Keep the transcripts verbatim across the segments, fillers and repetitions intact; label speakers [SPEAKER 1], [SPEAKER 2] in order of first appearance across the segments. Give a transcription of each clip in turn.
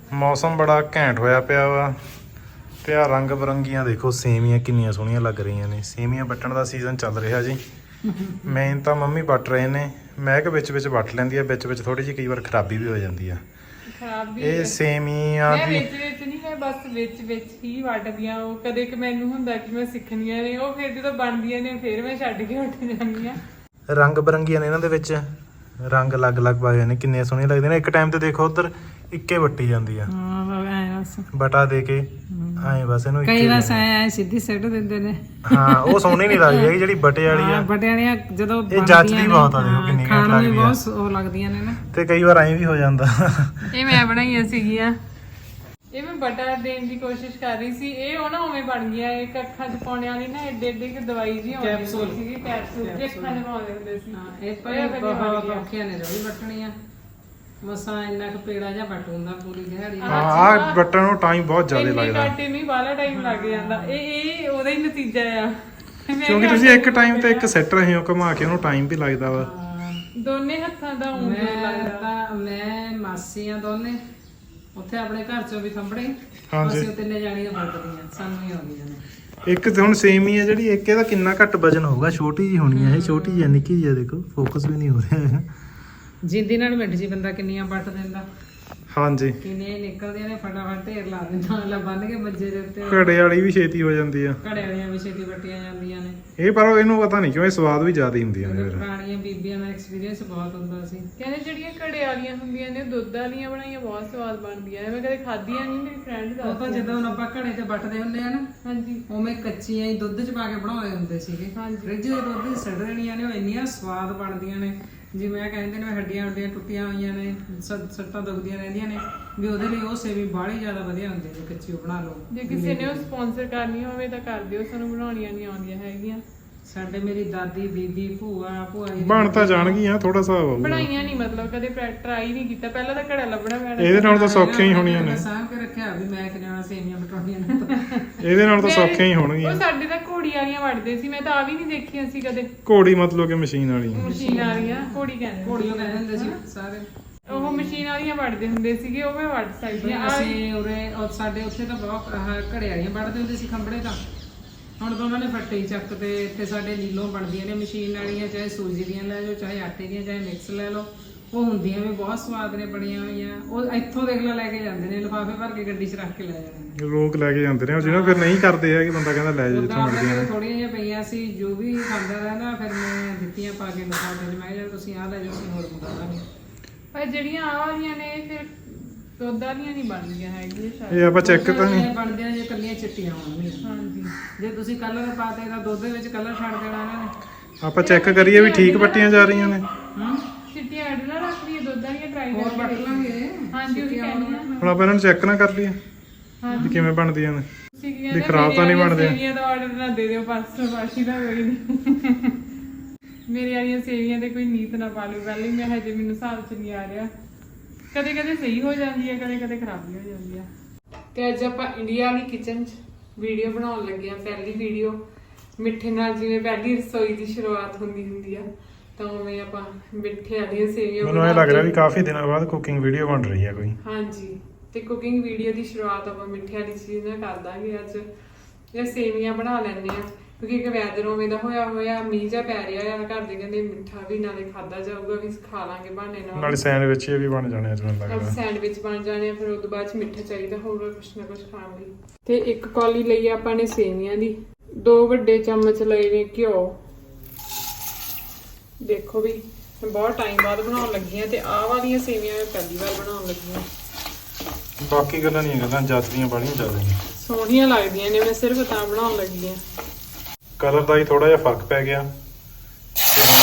[SPEAKER 1] ਮੌਸਮ ਬੜਾ ਘੈਂਟ ਹੋਇਆ ਪਿਆ ਵਾ ਤੇ ਆ ਰੰਗ ਬਰੰਗੀਆਂ ਦੇਖੋ ਸੇਮੀਆਂ ਕਿੰਨੀਆਂ ਸੋਹਣੀਆਂ ਲੱਗ ਰਹੀਆਂ ਨੇ। ਸੇਮੀਆਂ ਵੱਟਣ ਦਾ ਸੀਜ਼ਨ ਚੱਲ ਰਿਹਾ ਜੀ। ਮੇਨ ਤਾਂ ਮੰਮੀ ਵੱਟ ਰਹੇ ਨੇ, ਮੈਂ ਕਿ ਵਿੱਚ ਵਿੱਚ ਵੱਟ ਲੈਂਦੀ ਆ, ਵਿੱਚ ਵਿੱਚ ਥੋੜੀ ਜਿਹੀ ਕਈ ਵਾਰ ਖਰਾਬੀ ਵੀ ਹੋ ਜਾਂਦੀ ਆ।
[SPEAKER 2] ਖਰਾਬੀ
[SPEAKER 1] ਇਹ ਸੇਮੀਆਂ
[SPEAKER 2] ਮੈਂ
[SPEAKER 1] ਦੀ
[SPEAKER 2] ਵਿੱਚ ਵਿੱਚ ਨਹੀਂ, ਮੈਂ ਬਸ ਵਿੱਚ ਵਿੱਚ ਹੀ ਵੱਟਦੀਆਂ। ਉਹ ਕਦੇ ਕਿ ਮੈਨੂੰ ਹੁੰਦਾ ਕਿ ਮੈਂ ਸਿੱਖਣੀਆਂ ਨੇ, ਉਹ ਫਿਰ ਜਦੋਂ ਬਣਦੀਆਂ ਨੇ ਫਿਰ ਮੈਂ ਛੱਡ ਕੇ ਉੱਠ ਜਾਂਦੀ ਆ।
[SPEAKER 1] ਰੰਗ ਬਰੰਗੀਆਂ ਨੇ ਇਹਨਾਂ ਦੇ ਵਿੱਚ, ਰੰਗ ਅਲੱਗ-ਅਲੱਗ ਪਾਏ ਨੇ, ਕਿੰਨੇ ਸੋਹਣੇ ਲੱਗਦੇ ਨੇ। ਇੱਕ ਟਾਈਮ ਤੇ ਦੇਖੋ ਉਧਰ ਇੱਕੇ ਵੱਟੀ ਜਾਂਦੀ ਆ,
[SPEAKER 3] ਹਾਂ ਐ ਬਸ
[SPEAKER 1] ਬਟਾ ਦੇ ਕੇ ਐਂ ਬਸ ਇਹਨੂੰ
[SPEAKER 3] ਕਈ ਵਾਰ ਐ ਸਿੱਧੀ ਸਿੱਟ ਦਿੰਦੇ ਨੇ।
[SPEAKER 1] ਹਾਂ ਉਹ ਸੋਹਣੀ ਨਹੀਂ ਲੱਗਦੀ ਹੈਗੀ ਜਿਹੜੀ ਬਟੇ ਵਾਲੀ ਆ।
[SPEAKER 3] ਬਟੇ ਵਾਲੀਆਂ ਜਦੋਂ
[SPEAKER 1] ਇਹ ਜੱਚਦੀ ਬਹੁਤ ਆ, ਦੇਖੋ ਕਿੰਨੀ ਘੈਂਟ ਲੱਗਦੀ ਆ।
[SPEAKER 3] ਬਹੁਤ ਉਹ ਲੱਗਦੀਆਂ ਨੇ ਨਾ,
[SPEAKER 1] ਤੇ ਕਈ ਵਾਰ ਐਂ ਵੀ ਹੋ ਜਾਂਦਾ।
[SPEAKER 2] ਇਹ ਮੈਂ ਬਣਾਈਆਂ ਸੀਗੀਆਂ, ਇਹ ਮੈਂ ਬਟਰ ਦੇਣ ਦੀ ਕੋਸ਼ਿਸ਼ ਕਰ ਰਹੀ ਸੀ। ਇਹ ਉਹ ਨਾ ਉਵੇਂ ਬਣ ਗਿਆ, ਇੱਕ ਅੱਖਾਂ 'ਚ ਪਾਉਣੇ ਵਾਲੀ ਨਾ ਏਡੇ ਏਡੇ ਕਿ ਦਵਾਈ ਜੀ ਆਉਂਦੀ ਸੀਗੀ, ਕੈਪਸੂਲ ਜੇ ਅੱਖਾਂ 'ਚ ਪਾਉਂਦੇ ਹੁੰਦੇ ਸੀ।
[SPEAKER 3] ਹਾਂ ਇਹ ਪਰ ਬਹੁਤ ਔਖੀਆਂ ਨੇ ਜਿਹੜੀ ਵੱਟਣੀਆਂ। ਮਸਾਂ ਇੰਨਾ ਕੁ ਪੇੜਾ ਜਿਹਾ ਵੱਟ ਹੁੰਦਾ ਪੂਰੀ ਦਿਹਾੜੀ।
[SPEAKER 1] ਹਾਂ ਆਹ ਬੱਟਣ ਨੂੰ ਟਾਈਮ ਬਹੁਤ ਜ਼ਿਆਦਾ ਲੱਗਦਾ,
[SPEAKER 2] ਕਾਟੇ ਨਹੀਂ ਬਾਹਲਾ ਟਾਈਮ ਲੱਗ ਜਾਂਦਾ। ਇਹ ਇਹ ਉਹਦਾ ਹੀ ਨਤੀਜਾ ਆ,
[SPEAKER 1] ਕਿਉਂਕਿ ਤੁਸੀਂ ਇੱਕ ਟਾਈਮ ਤੇ ਇੱਕ ਸੈੱਟ ਰਹੇ ਹੋ ਘੁਮਾ ਕੇ, ਉਹਨੂੰ ਟਾਈਮ ਵੀ ਲੱਗਦਾ ਵਾ।
[SPEAKER 2] ਦੋਨੇ ਹੱਥਾਂ ਦਾ ਉਂਗਲ
[SPEAKER 3] ਮੈਂ
[SPEAKER 2] ਲੱਗਦਾ।
[SPEAKER 3] ਤਾਂ ਮੈਂ ਮਾਸੀਆਂ ਦੋਨੇ ਉੱਥੇ ਆਪਣੇ ਘਰ ਚੋਂ ਵੀ ਥੰਬੜੇ,
[SPEAKER 1] ਹਾਂਜੀ।
[SPEAKER 3] ਅਸੀਂ ਤਿੰਨੇ ਜਾਣੀਆਂ ਵੱਟਦੀਆਂ, ਸਾਨੂੰ ਹੀ ਆਉਂਦੀਆਂ ਨੇ।
[SPEAKER 1] ਇੱਕ ਤੇ ਹੁਣ ਸੇਮ ਹੀ ਹੈ ਜਿਹੜੀ, ਇੱਕ ਇਹਦਾ ਕਿੰਨਾ ਘੱਟ ਵਜਨ ਹੋਊਗਾ, ਛੋਟੀ ਜੀ ਹੋਣੀ ਹੈ ਇਹ, ਛੋਟੀ ਜਿਹੀ ਨਿੱਕੀ ਜਿਹੀ ਦੇਖੋ, ਫੋਕਸ ਵੀ ਨਹੀਂ ਹੋ ਰਿਹਾ ਹੈ।
[SPEAKER 3] ਜਿੰਦੀ ਨਾਲ ਮਿੰਟ ਜੀ ਬੰਦਾ ਕਿੰਨੀਆਂ ਵੱਟ ਦਿੰਦਾ,
[SPEAKER 1] ਹਾਂਜੀ
[SPEAKER 3] ਕਿੰਨੇ ਨਿਕਲਦੀਆਂ ਨੇ, ਫਟਾਫਟ ਢੇਰ ਲਾ ਦਿੰਦਾ ਅਗਲਾ ਬੰਨ ਕੇ ਮੰਜੇ ਦੇ ਉੱਤੇ।
[SPEAKER 1] ਘੜੇ ਵਾਲੀ ਵੀ ਛੇਤੀ ਹੋ ਜਾਂਦੀ ਆ,
[SPEAKER 3] ਘੜੇ ਵਾਲੀਆਂ ਵੀ ਛੇਤੀ ਵੱਟੀਆਂ ਜਾਂਦੀਆਂ ਨੇ।
[SPEAKER 1] ਇਹ ਪਰ ਇਹਨੂੰ ਪਤਾ ਨਹੀਂ ਕਿਉਂ ਇਹ ਸਵਾਦ ਵੀ ਜ਼ਿਆਦਾ ਹੁੰਦੀਆਂ ਨੇ ਫਿਰ।
[SPEAKER 3] ਪੁਰਾਣੀਆਂ ਬੀਬੀਆਂ ਦਾ ਐਕਸਪੀਰੀਅੰਸ ਬਹੁਤ ਹੁੰਦਾ ਸੀ।
[SPEAKER 2] ਕਹਿੰਦੇ ਜਿਹੜੀਆਂ ਘੜੇ ਵਾਲੀਆਂ ਹੁੰਦੀਆਂ ਨੇ ਦੁੱਧ ਵਾਲੀਆਂ ਬਣਾਈਆਂ ਬਹੁਤ ਸਵਾਦ ਬਣਦੀਆਂ ਨੇ। ਮੈਂ ਕਦੇ ਖਾਧੀਆਂ ਨਹੀਂ, ਮੇਰੀ ਫਰੈਂਡ
[SPEAKER 3] ਉਹ ਤਾਂ
[SPEAKER 2] ਦੱਸਦੀ।
[SPEAKER 3] ਜਦੋਂ ਆਪਾਂ ਘੜੇ ਤੇ ਵੱਟਦੇ ਹੁੰਦੇ ਆ ਨਾ,
[SPEAKER 2] ਹਾਂਜੀ
[SPEAKER 3] ਉਵੇਂ ਕੱਚੀਆਂ ਹੀ ਦੁੱਧ ਚ ਪਾ ਕੇ ਬਣਾਉਂਦੇ ਹੁੰਦੇ ਸੀਗੇ।
[SPEAKER 2] ਹਾਂਜੀ।
[SPEAKER 3] ਫ੍ਰਿਜ ਦੇ ਦੁੱਧ ਚ ਸੜ ਦੇਣੀਆਂ ਨੇ, ਉਹ ਇੰਨੀਆਂ ਸਵਾਦ ਬਣਦੀਆਂ ਨੇ। ਜਿਵੇਂ ਇਹ ਕਹਿੰਦੇ ਨੇ ਹੱਡੀਆਂ ਹੱਡੀਆਂ ਟੁੱਟੀਆਂ ਹੋਈਆਂ ਨੇ, ਸ- ਸੱਟਾਂ ਦੁਖਦੀਆਂ ਰਹਿੰਦੀਆਂ ਨੇ, ਵੀ ਉਹਦੇ ਲਈ ਉਹ ਸੇਵੀ ਬਾਹਲੀ ਜ਼ਿਆਦਾ ਵਧੀਆ ਹੁੰਦੀ ਜੇ ਕੱਚੀ ਉਹ ਬਣਾ ਲਓ।
[SPEAKER 2] ਜੇ ਕਿਸੇ ਨੇ ਉਹ ਸਪਾਂਸਰ ਕਰਨੀ ਹੋਵੇ ਤਾਂ ਕਰ ਦਿਓ, ਸਾਨੂੰ ਬਣਾਉਣੀਆਂ ਨਹੀਂ ਆਉਂਦੀਆਂ ਹੈਗੀਆਂ।
[SPEAKER 3] ਸਾਡੇ ਮੇਰੀ ਦਾਦੀ ਬੀਬੀ ਭੂਆ ਭੂਆ ਜੀ
[SPEAKER 1] ਬਣ ਤਾਂ ਜਾਣਗੀਆਂ, ਥੋੜਾ ਹਿਸਾਬ ਆਊਗਾ।
[SPEAKER 2] ਬਣਾਈਆਂ ਨਹੀਂ, ਮਤਲਬ ਕਦੇ ਟਰਾਈ ਨਹੀਂ ਕੀਤਾ। ਪਹਿਲਾਂ ਤਾਂ ਘੜਾ ਲੱਭਣਾ ਪੈਣਾ।
[SPEAKER 1] ਇਹਦੇ ਨਾਲ ਤਾਂ ਸੌਖੀਆਂ ਹੀ ਹੋਣੀਆਂ ਨੇ,
[SPEAKER 3] ਸਾਂਭ ਕੇ ਰੱਖਿਆ ਵੀ ਮੈਂ ਕਿਹਨਾਂ ਸੇਵੀਆਂ ਬਟਾਉਣੀਆਂ ਨੇ।
[SPEAKER 1] ਇਹਦੇ ਨਾਲ ਤਾਂ ਸੌਖੀਆਂ ਹੀ
[SPEAKER 2] ਉਹ
[SPEAKER 1] ਹੋਣਗੀਆਂ।
[SPEAKER 2] ਸਾਡੇ ਤਾਂ ਘੋੜੀ ਵਾਲੀਆਂ ਵੜਦੇ ਸੀ, ਮੈਂ ਤਾਂ ਆ ਵੀ ਨਹੀਂ ਦੇਖੀਆਂ ਸੀ ਕਦੇ।
[SPEAKER 1] ਘੋੜੀ ਮਤਲਬ ਕਿ ਮਸ਼ੀਨ ਵਾਲੀ।
[SPEAKER 2] ਮਸ਼ੀਨ ਵਾਲੀਆਂ ਘੋੜੀ ਕਹਿੰਦੇ
[SPEAKER 3] ਘੋੜੀਆਂ ਕਹਿੰਦੇ ਹੁੰਦੇ ਸੀ ਸਾਰੇ।
[SPEAKER 2] ਉਹ ਮਸ਼ੀਨ ਵਾਲੀਆਂ ਵੜਦੇ ਹੁੰਦੇ ਸੀਗੇ, ਉਹ ਮੈਂ ਵੜ ਸਕਦੀ ਆ।
[SPEAKER 3] ਅਸੀਂ ਉਰੇ ਉਹ ਸਾਡੇ ਉੱਥੇ ਤਾਂ ਬਹੁਤ ਆਹ ਘੜੇ ਵਾਲੀਆਂ ਵੱਢਦੇ ਹੁੰਦੇ ਸੀ ਖੰਭੜੇ ਤਾਂ। ਹੁਣ ਤਾਂ ਉਹਨਾਂ ਨੇ ਫੱਟੇ ਹੀ ਚੱਕ ਤੇ ਇੱਥੇ ਸਾਡੇ ਨੀਲੋਂ ਬਣਦੀਆਂ ਨੇ ਮਸ਼ੀਨ ਵਾਲੀਆਂ, ਚਾਹੇ ਸੂਜੀ ਦੀਆਂ ਲੈ ਜਾਓ, ਚਾਹੇ ਆਟੇ ਦੀਆਂ, ਚਾਹੇ ਮਿਕਸ ਲੈ ਲਓ। ਉਹ ਹੁੰਦੀਆਂ ਵੀ ਬਹੁਤ ਸਵਾਦ ਨੇ ਬਣੀਆਂ ਹੋਈਆਂ। ਉਹ ਇੱਥੋਂ ਦੇਖ ਲਾ ਲੈ ਕੇ ਜਾਂਦੇ ਨੇ, ਲਿਫਾਫੇ ਭਰ ਕੇ ਗੱਡੀ 'ਚ ਰੱਖ ਕੇ ਲੈ ਜਾਂਦੇ ਨੇ।
[SPEAKER 1] ਲੋਕ ਲੈ ਕੇ ਜਾਂਦੇ ਨੇ, ਜਿਹਨਾਂ ਫਿਰ ਨਹੀਂ ਕਰਦੇ ਆ ਕਿ ਬੰਦਾ ਕਹਿੰਦਾ ਲੈ ਜਾ ਜਿੱਥੋਂ ਮਿਲਦੀਆਂ ਨੇ।
[SPEAKER 3] ਥੋੜੀਆਂ ਜਿਹੀਆਂ ਪਈਆਂ ਸੀ, ਜੋ ਵੀ ਖਾਂਦਾ ਰਹਿੰਦਾ ਫਿਰ ਮੈਂ ਦਿੱਤੀਆਂ ਪਾ ਕੇ ਲਿਫਾਫੇ 'ਚ। ਮੈਂ ਕਿਹਾ ਤੁਸੀਂ ਆਹ ਲੈ ਜਾਓ, ਅਸੀਂ ਹੋਰ ਮੰਗਾ ਲਾਂਗੇ।
[SPEAKER 2] ਪਰ ਜਿਹੜੀਆਂ ਆਹ ਵਾਲੀਆਂ ਨੇ ਫਿਰ ਦੁੱਧ ਵਾਲੀਆਂ ਨਹੀਂ ਬਣਦੀਆਂ ਹੈਗੀਆਂ ਸ਼ਾਇਦ।
[SPEAKER 1] ਇਹ ਆਪਾਂ ਚੈੱਕ ਤਾਂ ਨਹੀਂ।
[SPEAKER 3] ਬਣਦੀਆਂ ਜੇ ਕੱਲੀਆਂ ਚਿੱਟੀਆਂ ਹੋਣਗੀਆਂ।
[SPEAKER 2] ਹਾਂਜੀ
[SPEAKER 3] ਜੇ ਤੁਸੀਂ ਕਲਰ ਪਾਤੇ ਤਾਂ ਦੁੱਧ ਦੇ ਵਿੱਚ ਕਲਰ ਛੱਡ ਦੇਣਾ ਇਹਨਾਂ ਨੇ।
[SPEAKER 1] ਆਪਾਂ ਚੈੱਕ ਕਰੀਏ ਵੀ ਠੀਕ ਪੱਟੀਆਂ ਜਾ ਰਹੀਆਂ ਨੇ।
[SPEAKER 3] ਹੂੰ
[SPEAKER 2] ਚਿੱਟੀਆਂ ਐਡ ਨਾ ਰੱਖ ਲਈਏ, ਦੁੱਧ ਵਾਲੀਆਂ ਟਰਾਈ
[SPEAKER 3] ਹੋਰ ਵੱਟ
[SPEAKER 2] ਕਰਕੇ।
[SPEAKER 3] ਲਾਂਗੇ।
[SPEAKER 2] ਹਾਂਜੀ ਉਹ ਕਹਿੰਦੀ ਆ।
[SPEAKER 1] ਹੁਣ ਆਪਾਂ ਇਹਨਾਂ ਨੂੰ ਚੈੱਕ ਨਾ ਕਰ ਲਈਏ ਵੀ ਕਿਵੇਂ ਬਣਦੀਆਂ ਨੇ,
[SPEAKER 2] ਤੁਸੀਂ ਕੀ
[SPEAKER 1] ਵੀ
[SPEAKER 2] ਕਹਿੰਦੇ
[SPEAKER 1] ਖਰਾਬ ਤਾਂ ਨਹੀਂ ਬਣਦੇ।
[SPEAKER 2] ਸੇਵੀਆਂ ਦਾ ਆਰਡਰ ਨਾ ਦੇ ਦਿਓ, ਪਾਸੋਂ ਬਾਸ਼ੀ ਦਾ ਕੋਈ ਨਹੀਂ। ਮੇਰੇ ਵਾਲੀਆਂ ਸੇਵੀਆਂ ਤੇ ਕੋਈ ਨੀਤ ਨਾ ਪਾ ਲਓ ਪਹਿਲੇ, ਮੈਂ ਹਜੇ ਮੈਨੂੰ ਹਿਸਾਬ ਚ ਨਹੀਂ ਆ ਰਿਹਾ। ਕਦੇ ਕਦੇ ਸਹੀ ਹੋ ਜਾਂਦੀ ਹੈ, ਕਦੇ ਕਦੇ ਖਰਾਬ ਵੀ ਹੋ ਜਾਂਦੀ ਹੈ। ਤੇ ਅੱਜ ਆਪਾਂ ਇੰਡੀਆ ਵਾਲੀ ਕਿਚਨ 'ਚ ਵੀਡੀਓ ਬਣਾਉਣ ਲੱਗੇ ਆ। ਪਹਿਲੀ ਵੀਡੀਓ ਮਿੱਠੇ ਨਾਲ, ਜਿਵੇਂ ਪਹਿਲੀ ਰਸੋਈ ਦੀ ਸ਼ੁਰੂਆਤ ਹੁੰਦੀ ਹੁੰਦੀ ਆ, ਤਾਂ ਉਵੇਂ ਆਪਾਂ ਮਿੱਠੇ ਵਾਲੀਆਂ ਸੇਵੀਆਂ
[SPEAKER 1] ਮੈਨੂੰ ਇਹ ਲੱਗ ਰਿਹਾ ਵੀ ਕਾਫੀ ਦਿਨਾਂ ਬਾਅਦ ਕੁਕਿੰਗ ਵੀਡੀਓ ਬਣ ਰਹੀ ਹੈ ਕੋਈ।
[SPEAKER 2] ਹਾਂਜੀ, ਤੇ ਕੁਕਿੰਗ ਵੀਡੀਓ ਦੀ ਸ਼ੁਰੂਆਤ ਆਪਾਂ ਮਿੱਠੇ ਵਾਲੀ ਚੀਜ਼ ਨਾਲ ਕਰ ਦਾਂਗੇ ਅੱਜ। ਇਹ ਸੇਵੀਆਂ ਬਣਾ ਲੈਂਦੇ ਆ, ਕਿਉਂਕਿ ਇੱਕ ਵੈਦਰ ਉਵੇਂ ਦਾ ਹੋਇਆ ਹੋਇਆ, ਮੀਂਹ ਜਿਹਾ ਪੈ ਰਿਹਾ ਆ। ਘਰ ਦੇ ਕਹਿੰਦੇ ਮਿੱਠਾ ਵੀ ਨਾਲੇ ਖਾਦਾ ਜਾਊਗਾ, ਵੀ ਖਾ ਲਾਂਗੇ ਬਹਾਨੇ ਨਾਲ।
[SPEAKER 1] ਨਾਲੇ ਸੈਂਡਵਿਚ ਇਹ ਵੀ ਬਣ ਜਾਣੇ ਅੱਜ ਮੈਨੂੰ ਲੱਗਦਾ।
[SPEAKER 2] ਸੈਂਡਵਿਚ ਬਣ ਜਾਣੇ ਆ, ਫਿਰ ਉਸ ਤੋਂ ਬਾਅਦ ਚ ਮਿੱਠਾ ਚਾਹੀਦਾ ਹੋਊਗਾ ਕੁਛ ਨਾ ਕੁਛ ਖਾਣ ਲਈ। ਤੇ ਇੱਕ ਕੌਲੀ ਲਈ ਆਪਾਂ ਨੇ ਸੇਵੀਆਂ ਦੀ, ਦੋ ਵੱਡੇ ਚਮਚ ਲਏ ਨੇ ਘਿਓ। ਦੇਖੋ ਵੀ ਮੈਂ ਬਹੁਤ ਟਾਈਮ ਬਾਅਦ ਬਣਾਉਣ ਲੱਗੀ ਆ, ਤੇ ਆਹ ਵਾਲੀਆਂ ਸੇਵੀਆਂ ਮੈਂ ਪਹਿਲੀ ਵਾਰ ਬਣਾਉਣ ਲੱਗੀ ਆ।
[SPEAKER 1] ਬਾਕੀ ਗੱਲਾਂ ਨਹੀਂ ਗੱਲਾਂ ਜੱਚਦੀਆਂ ਬੜੀਆਂ ਜ਼ਿਆਦਾ ਨੇ,
[SPEAKER 2] ਸੋਹਣੀਆਂ ਲੱਗਦੀਆਂ ਨੇ, ਮੈਂ ਸਿਰਫ ਤਾਂ ਬਣਾਉਣ ਲੱਗੀ ਆ।
[SPEAKER 1] ਕਲਰ ਦਾ ਹੀ ਥੋੜਾ ਜਿਹਾ ਫਰਕ ਪੈ ਗਿਆ। ਤੇ ਹੁਣ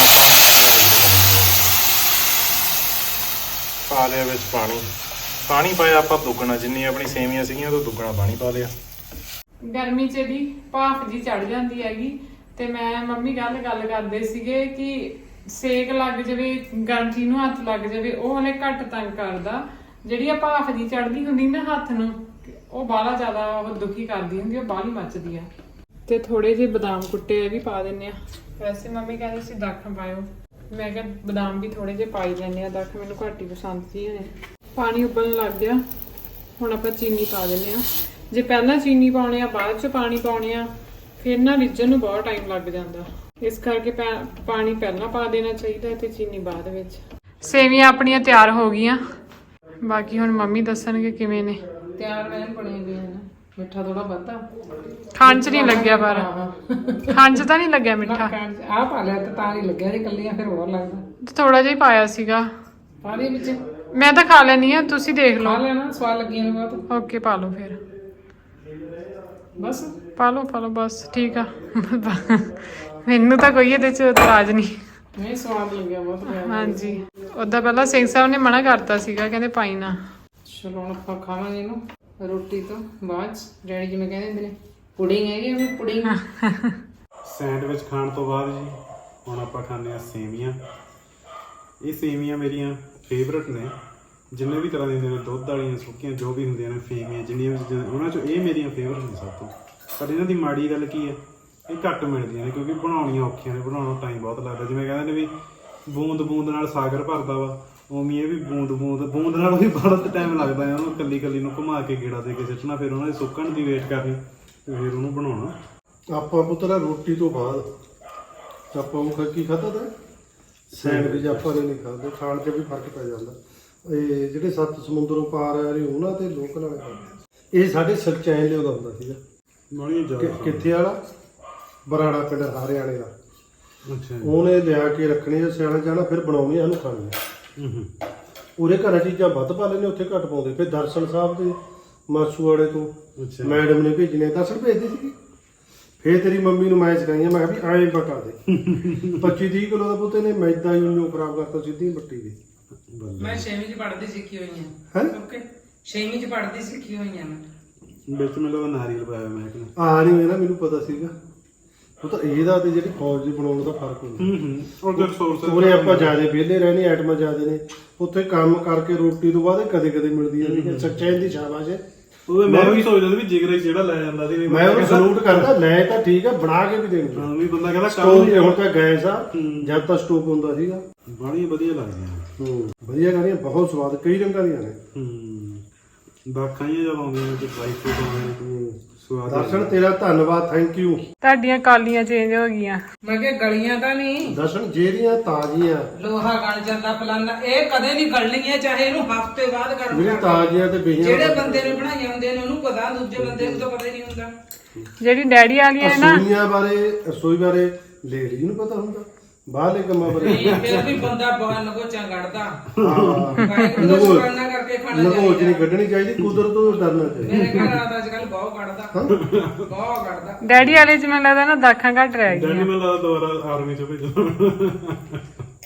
[SPEAKER 1] ਪਾ ਲਿਆ ਵਿੱਚ ਪਾਣੀ। ਪਾਣੀ ਪਾਇਆ ਆਪਾਂ ਦੁੱਗਣਾ, ਜਿੰਨੀ ਆਪਣੀ ਸੇਵੀਆਂ ਸੀਗੀਆਂ ਉਹ ਤੋਂ ਦੁੱਗਣਾ ਪਾਣੀ ਪਾ ਲਿਆ।
[SPEAKER 2] ਗਰਮੀ ਚ ਦੀ ਭਾਫ ਜੀ ਚੜ ਜਾਂਦੀ ਹੈਗੀ, ਤੇ ਮੈਂ ਮੰਮੀ ਗੱਲ ਗੱਲ ਕਰਦੇ ਸੀਗੇ ਕਿ ਸੇਕ ਲੱਗ ਜਾਵੇ, ਗਾਂਠੀ ਨੂੰ ਹੱਥ ਲੱਗ ਜਾਵੇ, ਉਹ ਹਲੇ ਘੱਟ ਤੰਗ ਕਰਦਾ। ਜਿਹੜੀ ਆ ਭਾਫ ਜੀ ਚੜਦੀ ਹੁੰਦੀ ਨਾ ਹੱਥ ਨੂੰ, ਉਹ ਬਾਹਲਾ ਜ਼ਿਆਦਾ ਉਹ ਦੁਖੀ ਕਰਦੀ ਹੁੰਦੀ, ਉਹ ਬਾਹਲੀ ਮੱਚਦੀ ਆ। ਤੇ ਥੋੜੇ ਜਿਹੇ ਬਦਾਮ ਕੁੱਟੇ ਇਹ ਵੀ ਪਾ ਦਿੰਨੇ ਆ। ਵੈਸੇ ਮੰਮੀ ਕਹਿੰਦੇ ਸੀ ਦਾਖਾਂ ਪਾਇਓ, ਮੈਂ ਕਿਹਾ ਬਦਾਮ ਵੀ ਥੋੜੇ ਜਿਹੇ ਪਾਈ ਲੈਣੇ ਆ, ਦਾਖ ਮੈਨੂੰ ਘੱਟ ਹੀ ਪਸੰਦ ਸੀ ਨੇ। ਪਾਣੀ ਉਬਲਣ ਲੱਗ ਗਿਆ, ਹੁਣ ਆਪਾਂ ਚੀਨੀ ਪਾ ਦਿੰਦੇ ਆ। ਜੇ ਪਹਿਲਾਂ ਚੀਨੀ ਪਾਉਣੀ ਆ ਬਾਅਦ ਚ ਪਾਣੀ ਪਾਉਣੀ ਆ ਫਿਰ ਨਾ ਰਿੱਝਣ ਨੂੰ ਬਹੁਤ ਟਾਈਮ ਲੱਗ ਜਾਂਦਾ, ਇਸ ਕਰਕੇ ਪਾਣੀ ਪਹਿਲਾਂ ਪਾ ਦੇਣਾ ਚਾਹੀਦਾ ਤੇ ਚੀਨੀ ਬਾਅਦ ਵਿੱਚ। ਸੇਵੀਆਂ ਆਪਣੀਆਂ ਤਿਆਰ ਹੋ ਗਈਆਂ, ਬਾਕੀ ਹੁਣ ਮੰਮੀ ਦੱਸਣਗੇ ਕਿਵੇਂ ਨੇ।
[SPEAKER 3] ਤਿਆਰ ਮੈਂ ਬਣੇ ਗਏ ਨੇ। ਮਿੱਠਾ ਥੋੜਾ ਵੱਧਾ
[SPEAKER 2] ਖਾਣ ਚ ਨਹੀਂ ਲੱਗਿਆ, ਪਰ ਖਾਣ ਚ ਤਾਂ ਨਹੀਂ ਲੱਗਿਆ ਮਿੱਠਾ।
[SPEAKER 3] ਆ ਪਾ ਲਿਆ ਤਾਂ ਤਾਂ ਨਹੀਂ ਲੱਗਿਆ, ਜੇ ਕੱਲੀਆਂ ਫਿਰ ਹੋਰ ਲੱਗਦਾ।
[SPEAKER 2] ਥੋੜਾ ਜਿਹਾ ਹੀ ਪਾਇਆ ਸੀਗਾ।
[SPEAKER 3] ਪਾ ਦੇ ਵਿੱਚ,
[SPEAKER 2] ਮੈਂ ਤਾਂ ਖਾ ਲੈਣੀ ਆ, ਤੁਸੀਂ ਦੇਖ
[SPEAKER 3] ਖਾ
[SPEAKER 2] ਲਓ।
[SPEAKER 3] ਲੈਣਾ, ਸਵਾਦ ਲੱਗੀਆਂ ਨੇ ਬਹੁਤ।
[SPEAKER 2] ਓਕੇ ਪਾ ਲਓ ਫਿਰ,
[SPEAKER 3] ਬਸ
[SPEAKER 2] ਪਾ ਲਓ ਪਾ ਲਓ ਬਸ ਠੀਕ ਆ। ਮੈਨੂੰ ਤਾਂ ਕੋਈ ਇਹਦੇ ਚ ਇਤਰਾਜ਼ ਨਹੀਂ।
[SPEAKER 3] ਨਹੀਂ ਸਵਾਦ ਲੱਗਿਆ ਬਹੁਤ।
[SPEAKER 2] ਹਾਂਜੀ ਉਦਾਂ ਪਹਿਲਾਂ ਸਿੰਘ ਸਾਹਿਬ ਨੇ ਮਨਾ ਕਰਤਾ ਸੀਗਾ, ਕਹਿੰਦੇ ਪਾਈ ਨਾ।
[SPEAKER 3] ਚਲੋ ਹੁਣ ਆਪਾਂ ਖਾਵਾਂਗੇ ਇਹਨੂੰ ਰੋਟੀ ਤੋਂ ਬਾਅਦ। ਡੈਡੀ ਜਿਵੇਂ ਕਹਿੰਦੇ ਹੁੰਦੇ ਨੇ ਪੁਡਿੰਗ ਹੈਗੀ ਆ, ਪੁਡਿੰਗ।
[SPEAKER 1] ਸੈਂਡਵਿਚ ਖਾਣ ਤੋਂ ਬਾਅਦ ਜੀ ਹੁਣ ਆਪਾਂ ਖਾਂਦੇ ਆ ਸੇਵੀਆਂ। ਇਹ ਸੇਵੀਆਂ ਮੇਰੀਆਂ ਫੇਵਰਟ ਨੇ, ਜਿੰਨੇ ਵੀ ਤਰ੍ਹਾਂ ਦੀਆਂ ਨੇ, ਦੁੱਧ ਵਾਲੀਆਂ, ਸੁੱਕੀਆਂ, ਜੋ ਵੀ ਹੁੰਦੀਆਂ ਨੇ ਸੇਵੀਆਂ, ਜਿੰਨੀਆਂ ਵੀ ਚੀਜ਼ਾਂ ਉਹਨਾਂ ਚੋਂ ਇਹ ਮੇਰੀਆਂ ਫੇਵਰਟ ਨੇ ਸਭ ਤੋਂ। ਪਰ ਇਹਨਾਂ ਦੀ ਮਾੜੀ ਗੱਲ ਕੀ ਹੈ, ਇਹ ਘੱਟ ਮਿਲਦੀਆਂ ਨੇ ਕਿਉਂਕਿ ਬਣਾਉਣੀਆਂ ਔਖੀਆਂ ਨੇ, ਬਣਾਉਣਾ ਟਾਈਮ ਬਹੁਤ ਲੱਗਦਾ। ਜਿਵੇਂ ਕਹਿੰਦੇ ਨੇ ਵੀ ਬੂੰਦ ਬੂੰਦ ਨਾਲ ਸਾਗਰ ਭਰਦਾ ਵਾ, ਉਵੇਂ ਇਹ ਵੀ ਬੂੰਦ ਬੂੰਦ ਬੂੰਦ ਨਾਲ ਵੀ ਬਹੁਤ ਟਾਈਮ ਲੱਗਦਾ ਹੈ। ਉਹਨੂੰ ਕੱਲੀ ਕੱਲੀ ਨੂੰ ਘੁਮਾ ਕੇ ਗੇੜਾ ਦੇ ਕੇ ਸਿੱਟਣਾ, ਫਿਰ ਉਹਨਾਂ ਦੇ ਸੁੱਕਣ ਦੀ ਵੇਟ ਕਰਨੀ, ਫਿਰ ਉਹਨੂੰ ਬਣਾਉਣਾ।
[SPEAKER 4] ਆਪਾਂ ਪੁੱਤਰਾ ਰੋਟੀ ਤੋਂ ਬਾਅਦ ਆਪਾਂ ਉਹ ਕੀ ਖਾਧਾ ਤਾ ਸੈਂਡਵਿਚ। ਆਪਾਂ ਨੇ ਨਹੀਂ ਖਾਦੇ, ਖਾਣ 'ਚ ਵੀ ਫਰਕ ਪੈ ਜਾਂਦਾ। ਇਹ ਜਿਹੜੇ ਸੱਤ ਸਮੁੰਦਰੋਂ ਪਾਰ ਆ ਰਹੇ ਉਹਨਾਂ ਤੇ ਲੋਕ ਨਾਲ ਖਾਂਦੇ। ਇਹ ਸਾਡੇ ਸਲਚੈਨ ਲਿਆਉਂਦਾ ਹੁੰਦਾ ਸੀਗਾ। ਕਿ- ਕਿੱਥੇ ਵਾਲਾ ਬਰਾੜਾ ਪਿੰਡ ਹਰਿਆਣੇ ਦਾ।
[SPEAKER 1] ਅੱਛਾ,
[SPEAKER 4] ਉਹਨੇ ਲਿਆ ਕੇ ਰੱਖਣੀ ਆ ਸਿਆਣਾ ਜਾਣਾ, ਫਿਰ ਬਣਾਉਣੀ ਇਹਨੂੰ ਖਾਣੀ।
[SPEAKER 1] ਹੂੰ ਹੂੰ
[SPEAKER 4] ਉਹਦੇ ਘਰਾਂ ਚੀਜ਼ਾਂ ਵੱਧ ਪਾ ਲੈਂਦੇ, ਉੱਥੇ ਘੱਟ ਪਾਉਂਦੇ। ਫਿਰ ਦਰਸ਼ਨ ਸਾਹਿਬ ਦੇ ਮਾਸੂ ਵਾਲੇ ਤੋਂ
[SPEAKER 1] ਅੱਛਾ
[SPEAKER 4] ਮੈਡਮ ਨੇ ਭੇਜਣੇ, ਦਰਸ਼ਨ ਭੇਜਦੇ ਸੀਗੇ। ਫੇਰ ਤੇਰੀ ਮੰਮੀ ਨੂੰ ਮੈਂ ਸਿਖਾਈਆਂ, ਮੈਂ ਕਿਹਾ ਵੀ ਐਂ ਬਟਾ ਦੇ। ਪੱਚੀ ਤੀਹ ਕਿਲੋ ਦਾ ਪੁੱਤੇ ਨੇ ਮੈਦਾ ਹੀ ਉਹਨੂੰ ਖਰਾਬ ਕਰਤਾ ਸਿੱਧੀ ਮੱਟੀ ਦੀ।
[SPEAKER 3] ਮੈਂ ਛੇਵੀਂ ਚ ਪੜ੍ਹਦੀ ਸਿੱਖੀ ਹੋਈ
[SPEAKER 4] ਹੈਂ?
[SPEAKER 3] ਆ। ਓਕੇ ਛੇਵੀਂ ਚ ਪੜ੍ਹਦੀ ਸਿੱਖੀ ਹੋਈ ਆ ਮੈਂ।
[SPEAKER 1] ਵਿੱਚ ਮੈਨੂੰ ਲੱਗਦਾ ਨਾਰੀਅਲ ਪਾਇਆ ਮੈਂ ਕਿ
[SPEAKER 4] ਆ ਨਹੀਂ ਨਾ, ਮੈਨੂੰ ਪਤਾ ਸੀਗਾ। ਉਹ ਤਾਂ ਇਹਦਾ ਤੇ ਜਿਹੜੀ ਫੌਜ ਦੀ ਬਣਾਉਣ ਦਾ ਫਰਕ ਹੁੰਦਾ।
[SPEAKER 1] ਹੂੰ ਹੂੰ ਉਹਦੇ ਰਿਸੋਰਸ
[SPEAKER 4] ਉਹਨੇ ਆਪਾਂ ਜਿਆਦਾ ਵਿਹਲੇ ਰਹਿਣੇ, ਆਈਟਮਾਂ ਜ਼ਿਆਦੇ ਨੇ। ਉੱਥੇ ਕੰਮ ਕਰਕੇ ਰੋਟੀ ਤੋਂ ਬਾਅਦ ਕਦੇ ਕਦੇ ਮਿਲਦੀ ਹੈ। ਸੱਚਾਈ ਦੀ ਸ਼ਾਬਾਸ਼ ਹੈ।
[SPEAKER 1] ਉਹ ਮੈਂ ਵੀ ਸੋਚਦਾ ਸੀ ਵੀ ਜਿਗਰੇ ਜਿਹੜਾ ਲੈ ਜਾਂਦਾ ਸੀ ਵੀ
[SPEAKER 4] ਮੈਂ ਉਹਨੂੰ ਸਲੂਟ ਕਰਦਾ। ਲੈ ਤਾਂ ਠੀਕ ਆ, ਬਣਾ ਕੇ ਵੀ ਦੇਣੀ।
[SPEAKER 1] ਹਾਂ ਵੀ ਬੰਦਾ ਕਹਿੰਦਾ
[SPEAKER 4] ਸਟੋਵ
[SPEAKER 1] ਕੰਮ
[SPEAKER 4] ਤੇ ਹੁਣ ਤਾਂ ਗੈਸ ਆ, ਜਦ ਤਾਂ ਸਟੋਵ ਹੁੰਦਾ ਸੀਗਾ।
[SPEAKER 1] ਬੜੀ ਵਧੀਆ ਲੱਗਦੀਆਂ
[SPEAKER 4] ਹੂੰ ਵਧੀਆ ਗਾਣੀਆਂ, ਬਹੁਤ ਸਵਾਦ, ਕਈ ਰੰਗਾਂ ਦੀਆਂ ਨੇ।
[SPEAKER 1] ਹੂੰ ਦਾਖਾਂ ਹੀ ਜਦ ਆਉਂਦੀਆਂ ਨੇ ਤੇ ਡਰਾਈ ਫਰੂਟ ਆਉਂਦੇ ਨੇ, ਸਵਾਦ
[SPEAKER 4] ਦਰਸ਼ਨ ਤੇਰਾ ਧੰਨਵਾਦ, ਥੈਂਕ ਯੂ।
[SPEAKER 2] ਤੁਹਾਡੀਆਂ ਕਾਲੀਆਂ ਚੇਂਜ ਹੋ ਗਈਆਂ।
[SPEAKER 3] ਮੈਂ ਕਿਹਾ ਗਲੀਆਂ ਤਾਂ ਨਹੀਂ,
[SPEAKER 4] ਦਰਸ਼ਨ ਜਿਹੜੀਆਂ ਤਾਜ਼ੀਆਂ
[SPEAKER 3] ਲੋਹਾ ਗਲ ਜਾਂਦਾ ਫਲਾਨਾ, ਇਹ ਕਦੇ ਨਹੀਂ ਗਲਣੀਆਂ, ਚਾਹੇ ਇਹਨੂੰ ਹਫ਼ਤੇ ਬਾਅਦ ਗਰਮ
[SPEAKER 4] ਜਿਹੜੀ
[SPEAKER 3] ਕਰ
[SPEAKER 4] ਤਾਜ਼ੀਆਂ ਤੇ ਬਈਆਂ
[SPEAKER 3] ਜਿਹੜੇ ਬੰਦੇ ਨੇ ਬਣਾਈਆਂ ਹੁੰਦੀਆਂ ਨੇ ਉਹਨੂੰ ਪਤਾ, ਦੂਜੇ ਬੰਦੇ ਨੂੰ ਤਾਂ ਪਤਾ ਹੀ ਨਹੀਂ ਹੁੰਦਾ।
[SPEAKER 2] ਜਿਹੜੀ ਡੈਡੀ ਵਾਲੀਆਂ ਹੈ ਨਾ,
[SPEAKER 4] ਰਸੋਈਆਂ ਬਾਰੇ, ਰਸੋਈ ਬਾਰੇ ਲੇਡੀ ਨੂੰ ਪਤਾ ਹੁੰਦਾ, ਬਾਹਰਲੇ ਕੰਮਾਂ ਬਾਰੇ
[SPEAKER 3] ਨਹੀਂ, ਫਿਰ ਵੀ ਬੰਦਾ ਬਹੁਤ ਨਗੋਚਾਂ ਕੱਢਦਾ।
[SPEAKER 4] ਹਾਂ
[SPEAKER 3] ਵਾਹਿਗੁਰੂ ਦਾ ਸ਼ੁਕਰਾਨਾ ਕਰਕੇ ਖਾਣਾ
[SPEAKER 4] ਲਗੋਚ ਨਹੀਂ
[SPEAKER 3] ਚਾਹੀਦਾ।
[SPEAKER 4] ਕੱਢਣੀ ਚਾਹੀਦੀ, ਕੁਦਰਤ ਤੋਂ ਡਰਨਾ ਚਾਹੀਦਾ।
[SPEAKER 3] ਮੇਰੇ ਘਰ ਆ ਅੱਜ ਕੱਲ ਬਹੁਤ ਕੱਢਦਾ, ਬਹੁਤ ਕੱਢਦਾ।
[SPEAKER 2] ਡੈਡੀ ਵਾਲੇ ਚ ਮੈਨੂੰ ਲੱਗਦਾ ਨਾ ਦਾਖਾਂ ਘੱਟ ਰਹਿ
[SPEAKER 1] ਡੈਡੀ
[SPEAKER 2] ਗਈਆਂ।
[SPEAKER 1] ਮੈਨੂੰ ਲੱਗਦਾ ਦੁਬਾਰਾ ਆਰਮੀ ਚ ਭੇਜੋ।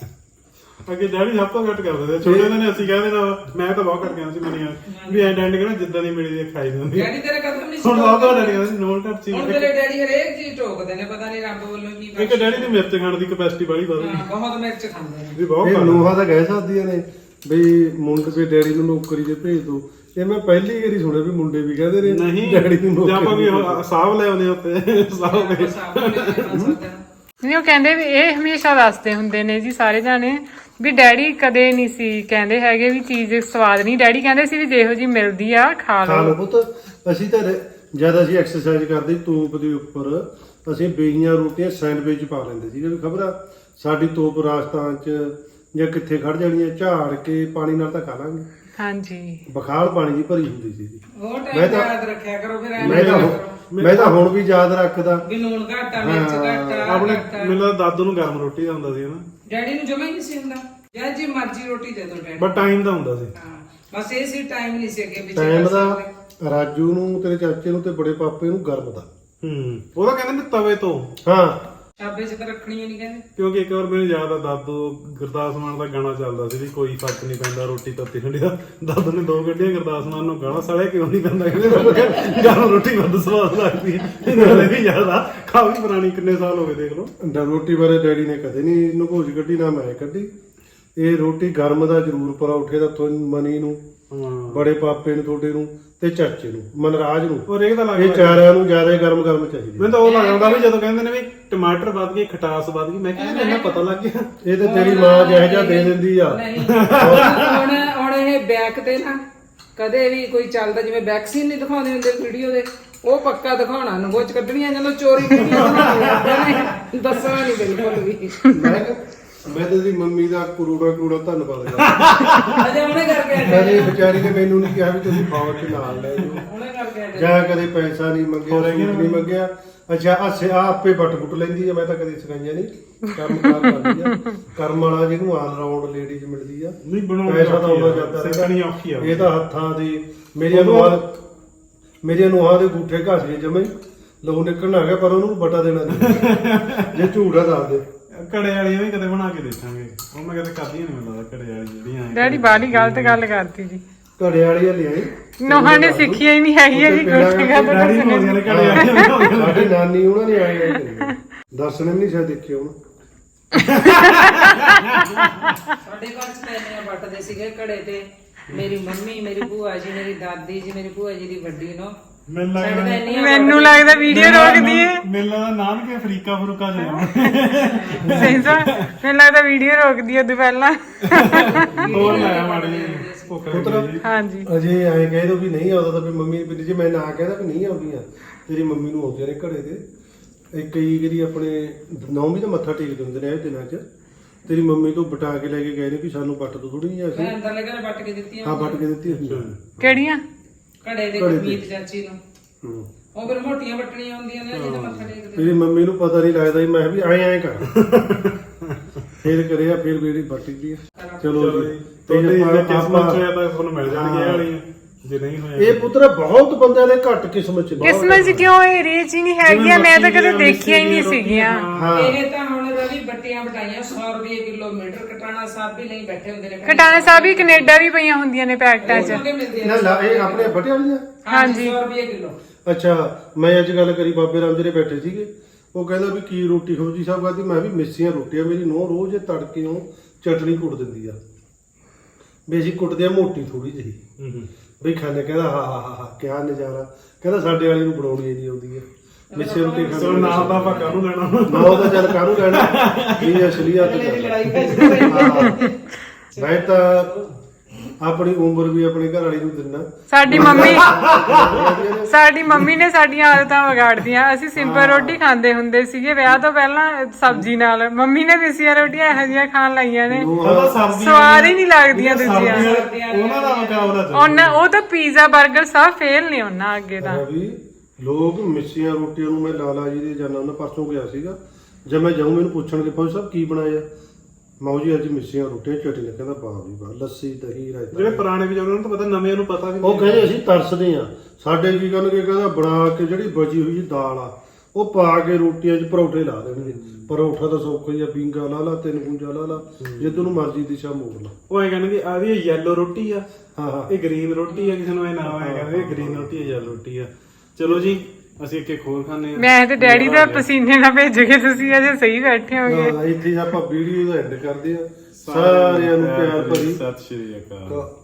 [SPEAKER 1] ਅੱਗੇ ਡੈਡੀ ਸਭ ਤੋਂ ਘੱਟ ਕਰਦੇ ਸੀ, ਛੋਟੇ ਨੇ ਅਸੀਂ ਕਹਿ ਦੇਣਾ, ਮੈਂ ਤਾਂ ਬਹੁਤ ਘੱਟ ਗਿਆ ਸੀ ਮੰਨੀਆਂ ਵੀ ਐਂ ਡੈਡੀ ਕਹਿੰਦਾ ਜਿੱਦਾਂ ਦੀ ਮਿਲੀ ਦੀ ਖਾਈ ਜਾਂਦੀ।
[SPEAKER 3] ਡੈਡੀ ਤੇਰੇ ਕਦਮ ਨਹੀਂ
[SPEAKER 1] ਹੁਣ ਸਭ ਤੋਂ ਡੈਡੀ ਕਹਿੰਦਾ ਨੋਟ ਘੱਟ ਸੀ।
[SPEAKER 3] ਹੁਣ ਤੇਰੇ ਡੈਡੀ ਹਰੇਕ ਚੀਜ਼ ਟੋਕਦੇ ਨੇ, ਪਤਾ ਨਹੀਂ ਰੱਬ ਵੱਲੋਂ ਕੀ
[SPEAKER 1] ਇੱਕ ਡੈਡੀ ਦੀ ਮਿਰਚ ਖਾਣ ਦੀ ਕਪੈਸਿਟੀ ਬੜੀ ਵੱਧ ਗਈ
[SPEAKER 3] ਹਾਂ, ਬਹੁਤ ਮਿਰਚ ਖਾਂਦੇ ਨੇ।
[SPEAKER 1] ਵੀ ਬਹੁਤ
[SPEAKER 4] ਇਹ
[SPEAKER 1] ਖਾਂਦਾ।
[SPEAKER 4] ਲੋਹਾ ਤਾਂ ਕਹਿ ਸਕਦੀਆਂ ਨੇ ਵੀ ਮੁੰਡੇ ਦੇ ਡੈਡੀ ਨੂੰ ਨੌਕਰੀ ਤੇ ਭੇਜ ਦੋ। ਇਹ ਮੈਂ ਪਹਿਲੀ ਵਾਰੀ ਸੁਣਿਆ ਵੀ ਮੁੰਡੇ ਵੀ ਕਹਿੰਦੇ ਨੇ
[SPEAKER 1] ਨਹੀਂ
[SPEAKER 4] ਡੈਡੀ ਨੂੰ
[SPEAKER 1] ਜੇ ਆਪਾਂ
[SPEAKER 4] ਨੌਕਰੀ
[SPEAKER 1] ਵੀ ਉਹ ਸਾਹਬ ਲੈ ਆਉਂਦੇ ਉੱਤੇ ਸਾਹਬ ਦੇ
[SPEAKER 3] ਸਾਬ ਨੂੰ ਨਹੀਂ ਖਾ ਸਕਦੇ।
[SPEAKER 2] ਨਹੀਂ ਉਹ ਕਹਿੰਦੇ ਵੀ ਇਹ ਹਮੇਸ਼ਾ ਦੱਸਦੇ ਹੁੰਦੇ ਨੇ ਜੀ ਸਾਰੇ ਜਾਣੇ ਵੀ ਡੈਡੀ ਕਦੇ ਨਹੀਂ ਸੀ ਕਹਿੰਦੇ ਹੈਗੇ ਵੀ ਚੀਜ਼ ਸਵਾਦ ਨਹੀਂ। ਡੈਡੀ ਕਹਿੰਦੇ ਸੀ ਵੀ ਜਿਹੋ ਜੀ ਮਿਲਦੀ ਆ ਖਾ
[SPEAKER 4] ਖਾ ਲਓ
[SPEAKER 2] ਲਓ।
[SPEAKER 4] ਪੁੱਤ। ਅਸੀਂ ਤਾਂ ਜਦ ਅਸੀਂ ਐਕਸਰਸਾਈਜ਼ ਕਰਦੇ ਤੋਪ ਦੇ ਉੱਪਰ ਅਸੀਂ ਬੇਈਆਂ ਰੋਟੀਆਂ ਸੈਂਡਵਿਚ ਪਾ ਲੈਂਦੇ ਸੀਗੇ ਵੀ ਖਬਰ ਸਾਡੀ ਤੋਪ ਰਾਜਸਥਾਨ ਚ ਜਾਂ ਕਿੱਥੇ ਖੜ ਜਾਣੀਆਂ, ਝਾੜ ਕੇ ਪਾਣੀ ਨਾਲ ਤਾਂ ਖਾ ਲਾਂਗੇ।
[SPEAKER 2] ਹਾਂਜੀ
[SPEAKER 4] ਬਖਾਲ ਪਾਣੀ ਦੀ ਭਰੀ ਹੁੰਦੀ ਸੀ।
[SPEAKER 3] ਉਹ
[SPEAKER 4] ਮੈਂ
[SPEAKER 3] ਟਾਈਮ
[SPEAKER 4] ਤਾਂ-
[SPEAKER 3] ਯਾਦ ਰੱਖਿਆ ਕਰੋ, ਫਿਰ ਐਵੇਂ
[SPEAKER 4] ਮੈਂ ਤਾਂ
[SPEAKER 3] ਨਾ
[SPEAKER 4] ਹੁਣ-
[SPEAKER 3] ਕਰੋ
[SPEAKER 4] ਮੈਂ ਤਾਂ ਹੁਣ ਵੀ ਯਾਦ ਰੱਖਦਾ।
[SPEAKER 3] ਵੀ ਲੂਣ ਘੱਟ ਆ, ਮਿਰਚ ਘੱਟ ਆ,
[SPEAKER 1] ਆਪਣੇ
[SPEAKER 3] ਘੱਟ ਆ।
[SPEAKER 1] ਮੈਨੂੰ ਲੱਗਦਾ ਦਾਦੂ ਨੂੰ ਗਰਮ ਰੋਟੀ ਦਾ ਹੁੰਦਾ ਸੀ ਹਨਾ,
[SPEAKER 3] ਡੈਡੀ ਨੂੰ ਜਮਾ ਹੀ ਨਹੀਂ ਸੀ ਹੁੰਦਾ, ਜਾਂ ਜੀ ਮਰਜ਼ੀ ਰੋਟੀ ਦੇ ਦੋ ਡੈਡੀ।
[SPEAKER 1] ਬਟ ਟਾਈਮ ਦਾ ਹੁੰਦਾ ਸੀ।
[SPEAKER 3] ਹਾਂ ਬਸ ਇਹ ਸੀ, ਟਾਈਮ ਨਹੀਂ ਸੀ ਅੱਗੇ ਪਿੱਛੇ
[SPEAKER 4] ਟਾਈਮ
[SPEAKER 3] ਕਰ
[SPEAKER 4] ਦਾ
[SPEAKER 3] ਸਕਦੇ।
[SPEAKER 4] ਰਾਜੂ ਨੂੰ, ਤੇਰੇ ਚਾਚੇ ਨੂੰ ਤੇ ਬੜੇ ਪਾਪੇ ਨੂੰ ਗਰਮ ਦਾ।
[SPEAKER 1] ਹੂੰ ਉਹਦਾ ਕਹਿੰਦੇ ਨੇ ਤਵੇ ਤੋਂ।
[SPEAKER 4] ਹਾਂ
[SPEAKER 3] ਚਾਬੇ ਚ ਤਾਂ ਰੱਖਣੀ ਨਹੀਂ ਕਹਿੰਦੇ।
[SPEAKER 1] ਕਿਉਂਕਿ ਇੱਕ ਵਾਰ ਮੈਨੂੰ ਯਾਦ ਆ ਦਾਦੂ ਗੁਰਦਾਸ ਮਾਨ ਦਾ ਗਾਣਾ ਚੱਲਦਾ ਸੀ ਵੀ ਕੋਈ ਫਰਕ ਨਹੀਂ ਪੈਂਦਾ ਰੋਟੀ ਤੱਤੀ ਠੰਡੀ ਦਾ। ਦਾਦੂ ਨੇ ਦੋ ਗੱਡੀਆਂ ਗੁਰਦਾਸ ਮਾਨ ਨੂੰ ਗਾਣਾ ਸਾਲਿਆ ਕਿਉਂ ਨਹੀਂ ਪੈਂਦਾ, ਕਹਿੰਦੇ ਗਰਮ ਰੋਟੀ ਵੱਧ ਸਵਾਦ ਲੱਗਦੀ ਹੈ। ਇਹਨਾਂ ਵੀ ਯਾਦ ਆ, ਕਾਫੀ ਪੁਰਾਣੀ, ਕਿੰਨੇ ਸਾਲ ਹੋ ਗਏ ਦੇਖ ਲਓ।
[SPEAKER 4] ਡ- ਰੋਟੀ ਬਾਰੇ ਡੈਡੀ ਨੇ ਕਦੇ ਨਹੀਂ ਨਗੋਚ ਕੱਢੀ, ਨਾ ਮੈਂ ਕੱਢੀ। ਇਹ ਰੋਟੀ ਗਰਮ ਦਾ ਜ਼ਰੂਰ ਪਰੌਠੇ ਦਾ ਤੁਹਾਨੂੰ ਮਨੀ ਨੂੰ,
[SPEAKER 1] ਹਾਂ
[SPEAKER 4] ਬੜੇ ਪਾਪੇ ਨੂੰ, ਤੁਹਾਡੇ ਨੂੰ ਤੇ ਚਾਚੇ ਨੂੰ, ਮਨਰਾਜ ਨੂੰ,
[SPEAKER 1] ਔਰ ਇਹ ਤਾਂ
[SPEAKER 4] ਇਹ
[SPEAKER 1] ਲੱਗਦਾ
[SPEAKER 4] ਚਾਰਿਆਂ ਨੂੰ ਜ਼ਿਆਦਾ ਗਰਮ ਗਰਮ ਚਾਹੀਦੀ।
[SPEAKER 1] ਮੈਨੂੰ ਤਾਂ ਉਹ ਲੱਗ ਜਾਂਦਾ ਵੀ ਜਦੋਂ ਕਹਿੰਦੇ ਨੇ ਵੀ ਟਮਾਟਰ ਵੱਧ ਗਏ, ਖਟਾਸ ਵੱਧ ਗਈ, ਮੈਂ ਕਹਿੰਦਾ ਇਹਨਾਂ ਪਤਾ ਲੱਗ ਗਿਆ।
[SPEAKER 4] ਇਹ ਤਾਂ ਤੇਰੀ ਮਾਂ ਜਿਹੋ ਜਿਹਾ ਦੇ ਦਿੰਦੀ ਆ।
[SPEAKER 3] ਨਹੀਂ ਹੁਣ ਹੁਣ ਇਹ ਬੈਕ ਤੇ ਨਾ ਕਦੇ ਵੀ ਕੋਈ ਚੱਲਦਾ ਜਿਵੇਂ ਵੈਕਸੀਨ ਨਹੀਂ ਦਿਖਾਉਂਦੇ ਹੁੰਦੇ ਵੀਡੀਓ ਦੇ, ਉਹ ਪੱਕਾ ਦਿਖਾਉਣਾ ਨਗੋਚ ਕੱਢਣੀਆਂ ਜਦੋਂ ਚੋਰੀ ਕੀਤੀਆਂ ਬਣਾਉਣੀਆਂ ਦੱਸਣਾ ਨਹੀਂ ਬਿਲਕੁਲ ਵੀ।
[SPEAKER 4] ਮੈਂ ਕਿਹਾ, ਮੈਂ ਤੇ ਦੀ ਮੰਮੀ ਦਾ ਕਰੋੜਾ ਕਰੋੜਾ ਧੰਨਵਾਦ ਕਰਦਾ।
[SPEAKER 3] ਅਜੇ ਉਹਨੇ ਕਰਕੇ ਆਏ,
[SPEAKER 4] ਕਦੇ ਵਿਚਾਰੀ ਨੇ ਮੈਨੂੰ ਨਹੀਂ ਕਿਹਾ ਵੀ ਤੁਸੀਂ ਫੌਜ ਚ ਨਾਲ ਲੈ ਜਾਓ,
[SPEAKER 3] ਉਹਨੇ ਕਰਕੇ ਆਏ।
[SPEAKER 4] ਜਾਂ ਕਦੇ ਪੈਸਾ ਨਹੀਂ ਮੰਗਿਆ, ਸੂਟ ਨਹੀਂ ਮੰਗਿਆ। ਅੱਛਾ ਅੱਛਾ ਆ ਆਪੇ ਬੱਟ ਬੁੱਟ ਲੈਂਦੀ ਆ, ਮੈਂ ਤਾਂ ਕਦੇ ਸਿਖਾਈਆਂ ਨਹੀਂ, ਕੰਮ ਕਾਰ ਕਰਦੀ ਆ। ਕਰਮ ਵਾਲਾ ਜਿਹਨੂੰ ਆਲ ਰਾਉਂਡ ਲੇਡੀਜ਼ ਮਿਲਦੀ ਆ,
[SPEAKER 5] ਨਹੀਂ ਬਣਾਉਣਾ
[SPEAKER 4] ਪੈਸਾ ਤਾਂ ਆਉਂਦਾ ਜਾਂਦਾ
[SPEAKER 5] ਸਿੱਖਣੀ ਔਖੀ ਆ।
[SPEAKER 4] ਇਹ ਤਾਂ ਹੱਥਾਂ ਦੀ ਮੇਰੀਆਂ ਨੂੰਹਾਂ ਮੇਰੀਆਂ ਨੂੰਹਾਂ ਦੇ ਗੂਠੇ ਘਸ ਗਏ ਜਮੇ, ਲਹੂ ਨਿਕਲਣ ਆ ਗਿਆ, ਪਰ ਉਹਨੂੰ ਬਟਾ ਦੇਣਾ ਨਹੀਂ। ਜੇ ਝੂਠਾ ਦੱਸ ਦੇ।
[SPEAKER 5] ਘੜੇ ਵਾਲੀਆਂ ਵੀ ਕਦੇ ਬਣਾ ਕੇ ਦੇਖਾਂਗੇ, ਉਹ ਮੈਂ ਕਦੇ ਕਰਦੀਆਂ ਨਹੀਂ, ਮੈਨੂੰ ਲੱਗਦਾ ਘੜੇ ਵਾਲੀ ਜਿਹੜੀਆਂ
[SPEAKER 2] ਡੈਡੀ ਬਾਲੀ ਗਲਤ ਗੱਲ ਕਰਤੀ ਜੀ।
[SPEAKER 4] ਘੜੇ ਵਾਲੀਆਂ ਲਿਆਈ
[SPEAKER 2] ਨੋਹਾਂ ਨੇ ਸਿੱਖੀਆਂ ਹੀ ਨਹੀਂ ਹੈਗੀਆਂ ਜੀ ਕੁਝ ਗੱਲ
[SPEAKER 5] ਡੈਡੀ ਪਾਉਂਦੀਆਂ ਨੇ ਘੜੇ ਵਾਲੀਆਂ।
[SPEAKER 4] ਸਾਡੀ ਨਾਨੀ ਉਹਨਾਂ ਨੇ ਆਏ ਆਏ ਦਰਸ਼ਨ ਵੀ ਨਹੀਂ ਸ਼ਾਇਦ ਦੇਖੇ ਹੁਣ।
[SPEAKER 3] ਸਾਡੇ ਘਰ ਚ ਪੈਨੀਆਂ ਵੱਟਦੇ ਸੀਗੇ ਘੜੇ ਤੇ, ਮੇਰੀ ਮੰਮੀ, ਮੇਰੀ ਭੂਆ ਜੀ, ਮੇਰੀ ਦਾਦੀ ਜੀ, ਮੇਰੀ ਭੂਆ ਜੀ ਦੀ ਵੱਡੀ ਨੂੰ
[SPEAKER 5] ਮੈਨੂੰ
[SPEAKER 3] ਸਾਡੇ ਤਾਂ
[SPEAKER 5] ਲੱਗਦਾ
[SPEAKER 3] ਇੰਨੀਆਂ
[SPEAKER 2] ਮੈਨੂੰ ਲੱਗਦਾ ਵੀਡੀਓ ਰੋਕਦੀ ਏ।
[SPEAKER 5] ਮੈਨੂੰ ਲੱਗਦਾ ਨਾਨਕੇ ਅਫਰੀਕਾ ਫਰੂਕਾ ਜਾਣਾ।
[SPEAKER 2] ਸਹੀ ਸਾ ਮੈਨੂੰ ਲੱਗਦਾ ਵੀਡੀਓ ਰੋਕਦੀ ਏ ਉਦੋਂ ਪਹਿਲਾਂ।
[SPEAKER 5] ਹੋਰ ਲਾਇਆ ਮਾੜੀ ਭੁੱਖ ਲੱਗੀ ਜੀ।
[SPEAKER 2] ਹਾਂਜੀ
[SPEAKER 4] ਅਜੇ ਐਂ ਕਹਿ ਦੋ ਵੀ ਨਹੀਂ ਆਉਂਦਾ ਤਾਂ ਵੀ ਮੰਮੀ ਵੀ ਜੇ ਮੈਂ ਨਾ ਕਹਿੰਦਾ ਵੀ ਨਹੀਂ ਆਉਂਦੀਆਂ, ਤੇਰੀ ਮੰਮੀ ਨੂੰ ਆਉਂਦੀਆਂ ਨੇ ਘੜੇ ਤੇ। ਇੱਕ ਕਈ ਜਿਹੜੀ ਆਪਣੇ ਨੌਵੀਂ ਦਾ ਮੱਥਾ ਟੇਕਦੇ ਹੁੰਦੇ ਨੇ ਇਹ ਦਿਨਾਂ 'ਚ, ਤੇਰੀ ਮੰਮੀ ਤੋਂ ਬਟਾ ਕੇ ਲੈ ਕੇ ਗਏ ਨੇ ਕਿ ਸਾਨੂੰ ਵੱਟ ਤੋਂ ਥੋੜੀ ਜਿਹੀ ਅਸੀਂ
[SPEAKER 3] ਮੈਂ ਅੰਦਰ ਲੈ ਕੇ ਵੱਟ ਕੇ ਦਿੱਤੀਆਂ
[SPEAKER 4] ਹਾਂ ਵੱਟ ਕੇ ਦਿੱਤੀ ਹੁੰਦੀ ਆ।
[SPEAKER 2] ਕਿਹੜੀਆਂ?
[SPEAKER 3] ਘੜੇ ਦੇ
[SPEAKER 4] ਘੜੇ ਦੇ।
[SPEAKER 3] ਗੁਰਮੀਤ ਚਾਚੀ ਨੂੰ,
[SPEAKER 4] ਹੂੰ।
[SPEAKER 3] ਉਹ ਫਿਰ ਮੋਟੀਆਂ ਵੱਟਣੀਆਂ ਹੁੰਦੀਆਂ ਨੇ ਜਿਹਦਾ ਮੱਥਾ ਟੇਕਦੇ।
[SPEAKER 4] ਤੇਰੀ ਮੰਮੀ ਨੂੰ ਪਤਾ ਨਹੀਂ ਲੱਗਦਾ ਸੀ, ਮੈਂ ਵੀ ਐਂ ਐਂ ਕਰ ਫੇਰ ਕਰਿਆ, ਫੇਰ ਮੇਰੀ ਵੱਟੀ ਦੀ ਆ। ਚਲੋ ਜੀ
[SPEAKER 5] ਤੇ ਜੇ
[SPEAKER 4] ਆਪਾਂ-
[SPEAKER 5] ਕਿਸਮਤ ਹੋਇਆ ਤਾਂ ਤੁਹਾਨੂੰ ਮਿਲ ਜਾਣਗੇ ਇਹ ਵਾਲੀਆਂ, ਜੇ ਨਹੀਂ ਹੋਇਆ
[SPEAKER 4] ਇਹ ਪੁੱਤਰ ਬਹੁਤ ਬੰਦਿਆਂ ਦੇ ਘੱਟ ਕਿਸਮਤ ਚ ਨੇ।
[SPEAKER 2] ਕਿਸਮਤ ਚ ਕਿਉਂ ਏਰੀਏ ਚ ਹੀ ਨਹੀਂ ਹੈਗੀਆਂ? ਮੈਂ ਤਾਂ ਕਦੇ ਦੇਖੀਆਂ ਹੀ ਨਹੀਂ ਸੀਗੀਆਂ।
[SPEAKER 4] ਹਾਂ
[SPEAKER 3] ਇਹ ਤਾਂ ਹੁਣ ਰਵੀ ਬੱਟੀਆਂ ਬਟਾਈਆਂ ਸੌ ਰੁਪਏ ਕਿਲੋਮੀਟਰ, ਕਟਾਣਾ ਸਾਹਿਬ ਵੀ ਲਈ ਬੈਠੇ ਹੁੰਦੇ ਨੇ।
[SPEAKER 2] ਕਟਾਣਾ ਸਾਹਿਬ ਵੀ ਕੈਨੇਡਾ ਵੀ ਪਈਆਂ ਹੁੰਦੀਆਂ ਨੇ ਪੈਕਟਾਂ ਚ।
[SPEAKER 4] ਨਾ ਲਾ ਇਹ ਆਪਣੇ ਬਟੇ ਵਾਲੀਆਂ।
[SPEAKER 3] ਹਾਂਜੀ ਸੌ ਰੁਪਏ ਕਿਲੋ।
[SPEAKER 4] ਅੱਛਾ ਮੈਂ ਅੱਜ ਗੱਲ ਕਰੀ ਬਾਬੇ ਰਾਮ ਜੀ ਦੇ ਬੈਠੇ ਸੀਗੇ, ਉਹ ਕਹਿੰਦਾ ਵੀ ਕੀ ਰੋਟੀ ਖੋਜੀ ਸਾਹਿਬ ਕਹਿੰਦੀ ਮੈਂ ਵੀ ਮਿੱਸੀਆਂ ਰੋਟੀਆਂ, ਮੇਰੀ ਨੂੰਹ ਰੋਜ਼ ਤੜਕੇ ਨੂੰ ਚਟਣੀ ਕੁੱਟ ਦਿੰਦੀ ਆ, ਵੀ ਅਸੀਂ ਕੁੱਟਦੇ ਆ ਮੋਟੀ ਥੋੜੀ ਜਿਹੀ ਵੀ ਖਾਣੇ। ਕਹਿੰਦਾ ਹਾਂ ਹਾਂ ਹਾਂ ਹਾਂ ਕਿਆ ਨਜ਼ਾਰਾ, ਕਹਿੰਦਾ ਸਾਡੇ ਵਾਲੀ ਨੂੰ ਬਣਾਉਣੀ ਨਹੀਂ ਆਉਂਦੀ ਆ ਮਿੱਸੀ ਰੋਟੀ
[SPEAKER 5] ਸੋ
[SPEAKER 4] ਖਾਣੀ।
[SPEAKER 5] ਨਾਲ ਦਾ ਆਪਾਂ ਕਾਹਨੂੰ ਲੈਣਾ।
[SPEAKER 4] ਨਾ ਉਹਦਾ ਚੱਲ ਕਾਹਨੂੰ ਲੈਣਾ, ਇਹ ਅਸਲੀਅਤ ਹੈ। ਮੈਂ ਤਾਂ ਆਪਣੀ ਉਮਰ ਵੀ ਆਪਣੀ ਘਰ ਵਾਲੀ ਨੂੰ ਦਿੰਦਾ।
[SPEAKER 2] ਸਾਡੀ ਮੰਮੀ ਸਾਡੀ ਮੰਮੀ ਨੇ ਸਾਡੀਆਂ ਆਦਤਾਂ ਵਿਗਾੜਦੀਆਂ। ਅਸੀਂ ਸਿੰਪਲ ਰੋਟੀ ਖਾਂਦੇ ਹੁੰਦੇ ਸੀਗੇ ਵਿਆਹ ਤੋਂ ਪਹਿਲਾਂ ਸਬਜ਼ੀ ਨਾਲ। ਮੰਮੀ ਨੇ ਮਿੱਸੀਆਂ ਰੋਟੀਆਂ ਇਹੋ ਜਿਹੀਆਂ ਖਾਣ ਲਾਈਆਂ ਨੇ,
[SPEAKER 5] ਉਹਦਾ ਸਬਜ਼ੀ
[SPEAKER 2] ਸਵਾਦ ਹੀ ਨਹੀਂ ਲੱਗਦੀਆਂ ਦੂਜੀਆਂ।
[SPEAKER 5] ਉਹਨਾਂ ਦਾ ਮੁਕਾਬਲਾ ਚੱਲ
[SPEAKER 2] ਉਹਨਾਂ ਉਹ ਤਾਂ ਪੀਜ਼ਾ 버ਗਰ ਸਭ ਫੇਲ ਨੇ ਉਹਨਾਂ ਅੱਗੇ ਤਾਂ।
[SPEAKER 4] ਹੈ ਵੀ ਲੋਕ ਮਿੱਸੀਆਂ ਰੋਟੀਆਂ ਨੂੰ, ਮੈਂ ਲਾਲਾ ਜੀ ਦੇ ਜਾਣਾ ਉਹਨਾਂ ਪਰਸੋਂ ਗਿਆ ਸੀਗਾ, ਜਦ ਮੈਂ ਜਾਊਂ ਮੈਨੂੰ ਪੁੱਛਣਗੇ ਫੌਜੀ ਸਾਹਿਬ ਕੀ ਬਣਾਇਆ, ਮਾਊ ਜੀ ਅੱਜ ਮਿੱਸੀਆਂ ਰੋਟੀਆਂ ਚਟਨੀ। ਕਹਿੰਦਾ ਵਾਹ ਵੀ ਵਾਹ, ਲੱਸੀ ਦਹੀਂ ਰਾਇਤਾ।
[SPEAKER 5] ਜਿਹੜੇ ਪੁਰਾਣੇ ਵੀ ਉਹਨਾਂ ਨੂੰ ਤਾਂ ਪਤਾ, ਨਵਿਆਂ ਨੂੰ ਪਤਾ ਵੀ
[SPEAKER 4] ਉਹ
[SPEAKER 5] ਨਹੀਂ।
[SPEAKER 4] ਕਹਿੰਦੇ ਅਸੀਂ ਤਰਸਦੇ ਆ, ਸਾਡੇ ਕੀ ਕਰਨਗੇ, ਕਹਿੰਦਾ ਬਣਾ ਕੇ ਜਿਹੜੀ ਬਚੀ ਹੋਈ ਦਾਲ ਆ ਉਹ ਪਾ ਕੇ ਰੋਟੀਆਂ 'ਚ ਪਰੌਠੇ ਲਾ ਦੇਣਗੇ। ਪਰੌਠਾ ਤਾਂ ਸੌਖਾ ਹੀ ਆ, ਬੀਂਗਾ ਲਾ ਲਾ, ਤਿੰਨ ਗੁੰਜਾ ਲਾ ਲਾ, ਜੇ ਤੈਨੂੰ ਮਰਜ਼ੀ ਦਿਸ਼ਾ ਮੋੜ ਲਾ।
[SPEAKER 5] ਉਹ ਐ ਕਹਿੰਦੇ ਆ ਵੀ ਇਹ ਯੈਲੋ ਰੋਟੀ ਆ,
[SPEAKER 4] ਹਾਂ ਹਾਂ
[SPEAKER 5] ਇਹ ਗ੍ਰੀਨ ਰੋਟੀ ਆ, ਕਿਸੇ ਨੂੰ ਇਹ ਨਾ ਆਇਆ ਕਹਿੰਦੇ ਇਹ ਗ੍ਰੀਨ ਰੋਟੀ ਆ, ਯੈਲੋ ਰੋਟੀ ਆ। ਚਲੋ ਜੀ ਅਸੀਂ ਇੱਕ ਇੱਕ ਹੋਰ ਖਾਣੇ ਆ।
[SPEAKER 2] ਮੈਂ ਤੇ ਡੈਡੀ ਦਾ ਪਸੀਨੇ ਨਾਲ ਭੇਜੋਗੇ, ਤੁਸੀਂ ਅਜੇ ਸਹੀ ਬੈਠੇ ਹੋਗੇ।
[SPEAKER 4] ਹਾਂ, ਇੱਥੇ ਆਪਾਂ ਵੀਡੀਓ ਦਾ ਐਂਡ ਕਰਦੇ ਆ। ਸਾਰਿਆਂ ਨੂੰ ਪਿਆਰ ਭਰੀ
[SPEAKER 5] ਸਤਿ ਸ਼੍ਰੀ ਅਕਾਲ।